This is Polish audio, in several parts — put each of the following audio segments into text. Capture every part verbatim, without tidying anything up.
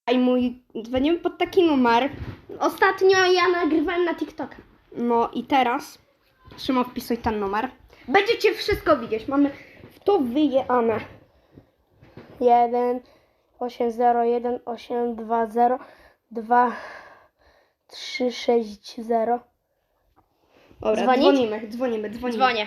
I mój, dzwonimy pod taki numer. Ostatnio ja nagrywałem na TikToka. No i teraz Szymon, wpisuj ten numer. Będziecie wszystko widzieć. Mamy w to wyjechane. jeden osiem zero jeden osiem dwa zero dwa trzy sześć zero. Dobra, Dzwonić? dzwonimy, dzwonimy, dzwonimy. Dzwonię.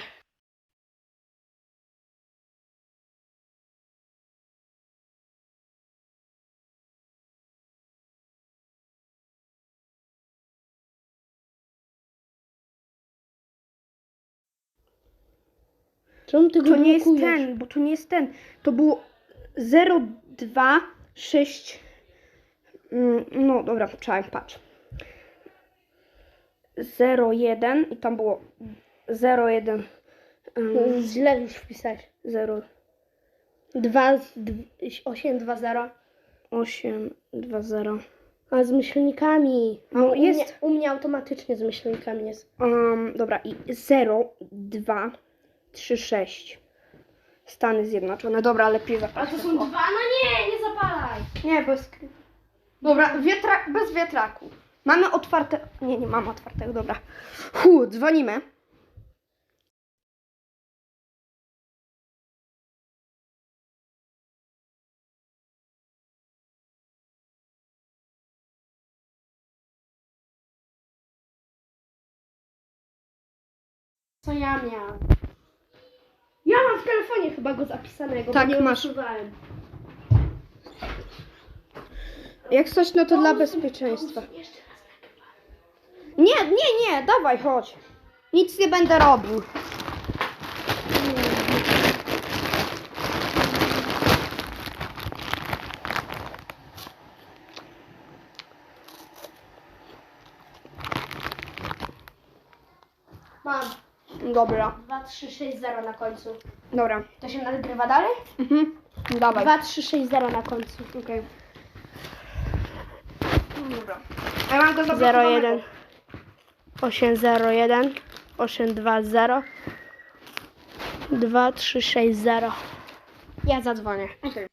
Czemu ty go To nie jest blokujesz? ten, bo to nie jest ten. To było zero dwa sześć. Mm, No dobra, czekaj, patrz. zero jeden i tam było zero jeden. Um, Źle już wpisałeś. zero dwa osiem dwa zero. osiem dwa zero. A z myślnikami. No, u, jest. Mnie, u mnie automatycznie z myślnikami jest. Um, dobra, i zero dwa trzy sześć. Stany Zjednoczone. Dobra, lepiej zapalać. dwa? No nie, nie zapalaj. Nie, bez. Dobra, wietrak, bez wiatraku. Mamy otwarte. Nie, nie mamy otwartego, dobra. Hu, dzwonimy. Co ja miałam? Ja mam w telefonie chyba go zapisanego, Tak, bo nie masz. usuwałem. Jak coś, no to dla bezpieczeństwa. Jeszcze raz nagrywam. Nie, nie, nie, dawaj, chodź. Nic nie będę robił. Mam Dobra, dwa trzy sześć zero na końcu. dobra. To się nagrywa dalej? Mhm. Dawaj. dwa trzy sześć zero na końcu. Okej. Dobra. Ja mam go zero zablokowanego. jeden osiem zero jeden osiem dwa zero dwa trzy sześć zero. Ja zadzwonię. Okej.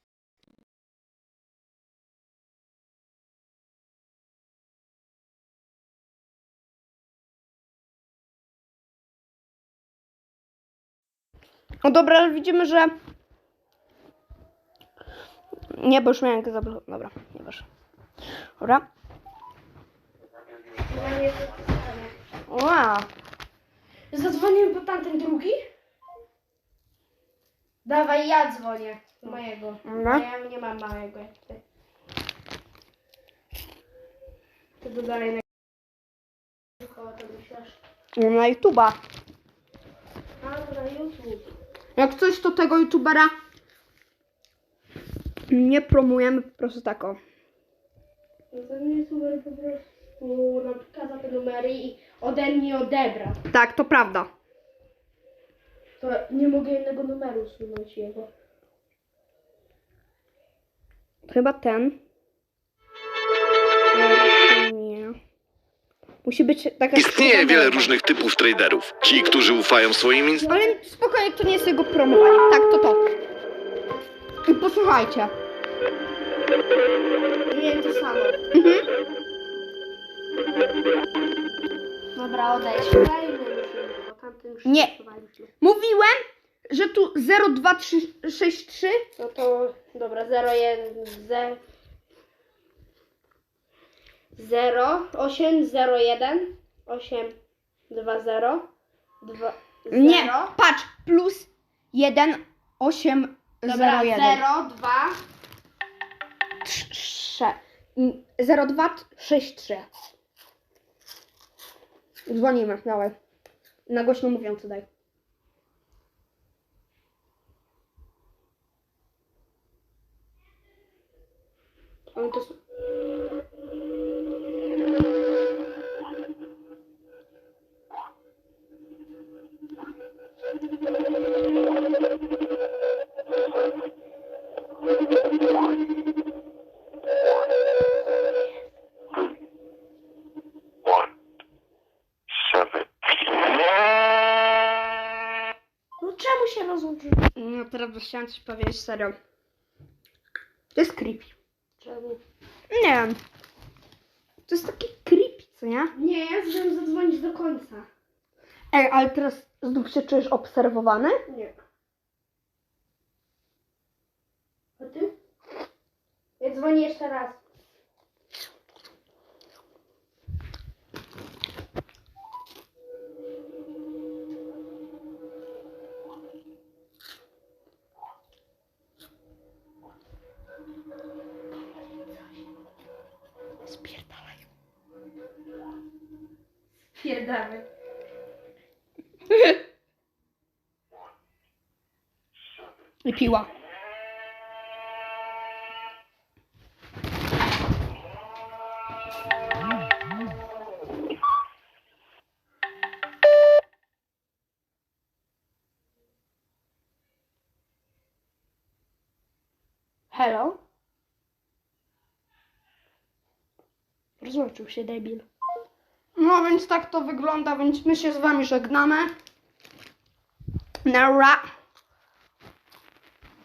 No dobra, ale widzimy, że... Nie, bo już miałem go zablokować. Dobra, nie wiesz. Dobra. Wow. Zadzwonił po tamten drugi? Dawaj, ja dzwonię do mojego. Dobra. Ja nie mam małego jak ty. Ty do dalej na... Koło to myślisz? Na YouTube'a. A, to na YouTube. Jak coś, to tego YouTubera nie promujemy, po prostu tak o. No ten YouTuber po prostu nam przekazał te numery i ode mnie odebra. Tak, to prawda. To nie mogę jednego numeru usunąć jego. Chyba ten. Nie, nie. Musi być taka... Istnieje wiele różnych typów traderów. Ci, którzy ufają swoim inst- Ale spokojnie, to nie jest jego promowanie. Tak, to to. I posłuchajcie. Nie, to samo. Mhm. Dobra, odejdź. Dajmy musimy, bo tamten już Nie. usuwaliśmy. Mówiłem, że tu zero dwa trzy sześć trzy. No to dobra, zero jeden zero osiem zero jeden osiem dwa zero dwa Nie, zero. patrz, plus jeden osiem Dobra, zero jeden. zero dwa zero dwa sześć trzy. Dzwonimy, dawaj. Na głośno mówiący daj. On to s- No czemu się rozłączył? No teraz chciałam coś powiedzieć serio. To jest creepy. Czemu? wiem. To jest takie creepy, co nie? Nie, ja chcę zadzwonić do końca. Ej, ale teraz znów się czujesz obserwowany? Nie. A ty? Ja dzwonię jeszcze raz. Spierdalaj. Pierdamy. I piła. Hello? Rozłączył się debil. No więc tak to wygląda, więc my się z wami żegnamy. Nara.